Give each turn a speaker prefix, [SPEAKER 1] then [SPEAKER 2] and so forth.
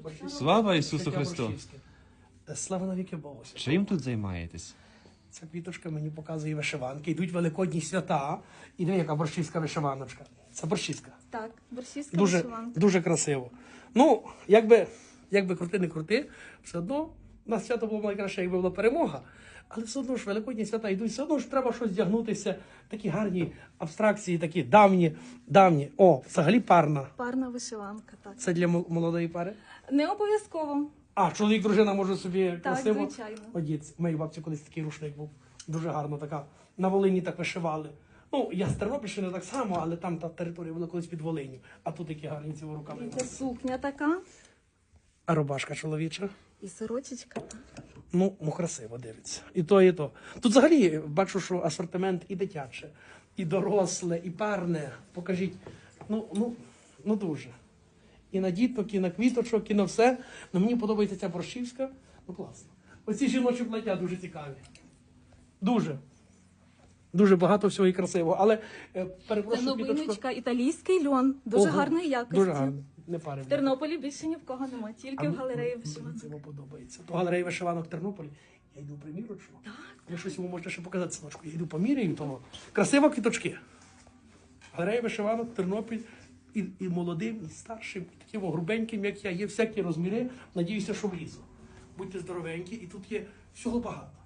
[SPEAKER 1] Слава Ісусу Христу!
[SPEAKER 2] Слава навіки Богу.
[SPEAKER 1] Чим тут займаєтесь?
[SPEAKER 2] Ця квіточка мені показує вишиванки. Йдуть великодні свята. І диви, яка борщівська вишиваночка. Це борщівська.
[SPEAKER 3] Так, борщівська
[SPEAKER 2] Дуже,
[SPEAKER 3] вишиванка.
[SPEAKER 2] дуже красиво. Ну, якби крути не крути, все одно у нас свято було найкраще, якби була перемога. Але все одно ж великодні свята йдуть, все одно ж треба щось вдягнутися. Такі гарні абстракції, такі давні. О, взагалі парна.
[SPEAKER 3] Парна вишиванка, так.
[SPEAKER 2] Це для молодої пари.
[SPEAKER 3] Не обов'язково.
[SPEAKER 2] А, чоловік, дружина може собі
[SPEAKER 3] Так,
[SPEAKER 2] красиво
[SPEAKER 3] звичайно.
[SPEAKER 2] одіти. У моїй бабці колись такий рушник був. Дуже гарно така. На Волині так вишивали. Ну, я з Тернопільщини так само, але там та територія була колись під Волиню. А тут такі гарні ці руками.
[SPEAKER 3] Це сукня така.
[SPEAKER 2] А рубашка чоловіча.
[SPEAKER 3] І сорочечка.
[SPEAKER 2] Ну, красиво дивиться. І то, і то. Тут взагалі бачу, що асортимент і дитяче, і доросле, і парне. Покажіть. Ну дуже. І на діток, і на квіточок, і на все. Ну, мені подобається ця борщівська. Ну, класно. Оці жіночі плаття дуже цікаві. Дуже. Дуже багато всього і красивого. Але,
[SPEAKER 3] Це
[SPEAKER 2] перепрошую, квіточко.
[SPEAKER 3] новиночка, італійський льон. Дуже
[SPEAKER 2] Ого,
[SPEAKER 3] гарної якості.
[SPEAKER 2] Дуже гарно. Не пари.
[SPEAKER 3] В Тернополі більше ні в кого немає, тільки в галереї вишиванок.
[SPEAKER 2] Це подобається. То галерея вишиванок в Тернополі. Я йду примірочно. Ви щось йому можете ще показати, синочку. Я йду поміряю того. Красиво квіточки. Галерея вишиванок, Тернопіль. І молодим, і старшим, і таким грубеньким, як я. Є всякі розміри. Надіюся, що влізу. Будьте здоровенькі. І тут є всього багато.